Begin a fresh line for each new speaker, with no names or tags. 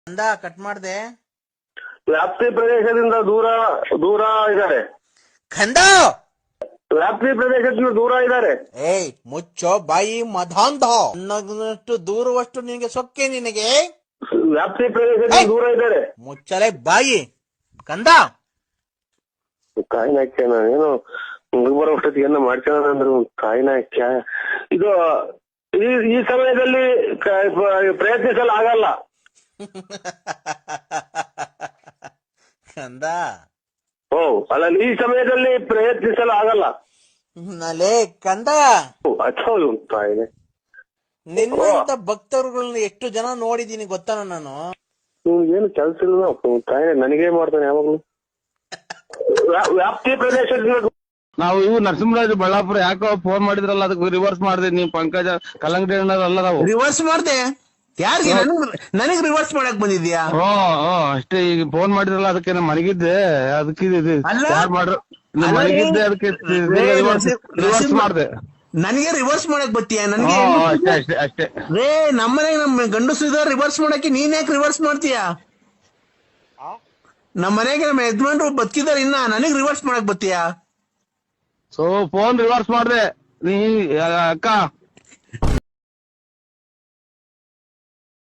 ಅಂದ ಕಟ್ ಮಾಡ್ದೆ.
ವ್ಯಾಪ್ತಿ ಪ್ರದೇಶದಿಂದ ದೂರ ದೂರ ಇದ್ದಾರೆ.
ಕಂದ
ವ್ಯಾಪ್ತಿ ಪ್ರದೇಶದಿಂದ ದೂರ ಇದ್ದಾರೆ.
ಏಯ್ ಮುಚ್ಚೋ ಬಾಯಿ ಮಧಾಂಧ. ನನ್ನಷ್ಟು ದೂರವಷ್ಟು ನಿನಗೆ ಸೊಕ್ಕೆ ನಿನಗೆ.
ವ್ಯಾಪ್ತಿ ಪ್ರದೇಶದಿಂದ ದೂರ ಇದ್ದಾರೆ.
ಮುಚ್ಚಲೆ ಬಾಯಿ ಕಂದ.
ಕಾಯಿನ ಹಾಕ್ಯ ಏನೋ ಮುಗಿ ಬರೋ ಅಷ್ಟೊತ್ತಿಗೆ ಏನೋ ಮಾಡ್ಕೊಳ್ಳೋಣ ಅಂದ್ರು ಕಾಯಿನ ಹಾಕ್ಯ. ಇದು ಈ ಸಮಯದಲ್ಲಿ ಪ್ರಯತ್ನಿಸಲು ಆಗಲ್ಲ
ಕಂದ.
ಓ ಅಲ್ಲ, ಈ ಸಮಯದಲ್ಲಿ ಪ್ರಯತ್ನಿಸಲು ಆಗಲ್ಲ.
ನಲೇ ಕಂದ,
ಹೌದು ಕಾಯಿನೆ.
ನಿನ್ನಂತ ಭಕ್ತರುಗಳನ್ನ ಎಷ್ಟು ಜನ ನೋಡಿದೀನಿ ಗೊತ್ತಾನ ನಾನು.
ಏನು ಕೆಲ್ಸ ಇಲ್ಲ ಕಾಯಿನೆ, ನನಗೇ ಮಾಡ್ತಾನೆ ಯಾವಾಗ್ಲೂ. ವ್ಯಾಪ್ತಿ ಪ್ರದೇಶದಿಂದ
ನಾವು ಇವು ನರಸಿಂಹರಾಜ್ ಬಳ್ಳಾಪುರ ಯಾಕೋ ಫೋನ್ ಮಾಡಿದ್ರಲ್ಲ, ಅದಕ್ಕೆ ರಿವರ್ಸ್ ಮಾಡಿದೆ. ನೀವು ಪಂಕಜ ಕಲ್ಲಂಗಡಿ ಅಲ್ಲ ನಾವು
ರಿವರ್ಸ್ ಮಾಡ್ದೆ. ಯಾರಿಗೆ? ನನಗ್ ರಿವರ್ಸ್ ಮಾಡಕ್ ಬಂದಿದ್ಯಾ?
ಅಷ್ಟೇ. ಈಗ ಫೋನ್ ಮಾಡಿದ್ರಲ್ಲ ಅದಕ್ಕೆ ನಾ ಮನಗಿದ್ದೆ, ಅದಕ್ಕೆ ಯಾರು ಮಾಡ್ರು ಮನಗಿದ್ದೆ, ಅದಕ್ಕೆ ರಿವರ್ಸ್ ಮಾಡ್ದೆ.
ನನಗೆ ರಿವರ್ಸ್ ಮಾಡಕ್ ಬತ್ತೀಯ? ನನ್ಗೆ
ಅಷ್ಟೇ ಅಷ್ಟೇ.
ರೇ ನಮ್ಮನೆಗೆ ನಮ್ ಗಂಡಸು ಇದಾರೆ ರಿವರ್ಸ್ ಮಾಡಕ್ಕೆ, ನೀನ್ ಯಾಕೆ ರಿವರ್ಸ್ ಮಾಡ್ತೀಯಾ? ನಮ್ಮ ಮನೆಗೆ ನಮ್ಮ ಯಜಮಾನ್ರು ಬದುಕಿದಾರೆ, ಇನ್ನ ನನಗ್ ರಿವರ್ಸ್ ಮಾಡಕ್ ಬತ್ತೀಯಾ?
ಸೊ ಫೋನ್ ರಿವರ್ಸ್ ಮಾಡ್ದೆ. ನೀ ಅಕ್ಕ